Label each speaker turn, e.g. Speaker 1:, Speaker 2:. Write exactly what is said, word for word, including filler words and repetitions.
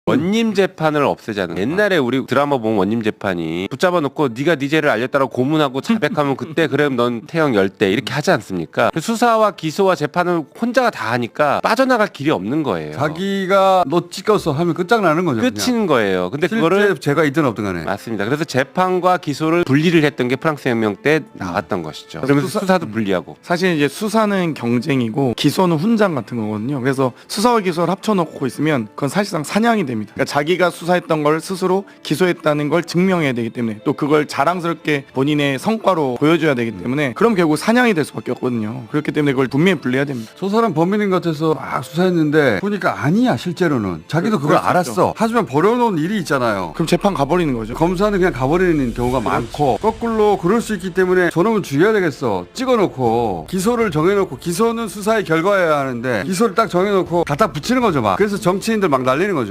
Speaker 1: 원님 재판을 없애자는 거야. 옛날에 우리 드라마 보면 원님 재판이 붙잡아 놓고 네가 네 죄를 알렸다고 고문하고 자백하면 그때 그럼 넌 태형 열대 이렇게 하지 않습니까? 수사와 기소와 재판을 혼자가 다 하니까 빠져나갈 길이 없는 거예요.
Speaker 2: 자기가 너 찍었어 하면 끝장나는 거죠.
Speaker 1: 끝인 거예요. 근데
Speaker 2: 실제
Speaker 1: 그거를
Speaker 2: 제가 있든 없든 간에.
Speaker 1: 맞습니다. 그래서 재판과 기소를 분리를 했던 게 프랑스 혁명 때 나왔던 것이죠. 그러면서
Speaker 3: 수사-
Speaker 1: 수사도 분리하고.
Speaker 3: 사실 이제 수사는 경쟁이고 기소는 훈장 같은 거거든요. 그래서 수사와 기소를 합쳐놓고 있으면 그건 사실상 사냥이 됩니다. 그러니까 자기가 수사했던 걸 스스로 기소했다는 걸 증명해야 되기 때문에 또 그걸 자랑스럽게 본인의 성과로 보여줘야 되기 때문에 그럼 결국 사냥이 될 수밖에 없거든요. 그렇기 때문에 그걸 분명히 분리해야 됩니다.
Speaker 2: 저 사람 범인인 것 같아서 막 수사했는데 보니까 아니야 실제로는. 자기도 그걸
Speaker 3: 그럴 수
Speaker 2: 알았어.
Speaker 3: 있죠.
Speaker 2: 하지만 버려놓은 일이 있잖아요.
Speaker 3: 그럼 재판 가버리는 거죠.
Speaker 2: 검사는 그냥 가버리는 경우가 많고 거꾸로 그럴 수 있기 때문에 저놈은 죽여야 되겠어. 찍어놓고 기소를 정해놓고 기소는 수사의 결과여야 하는데 기소를 딱 정해놓고 갖다 붙이는 거죠 막. 그래서 정치인들 막 날리는 거죠.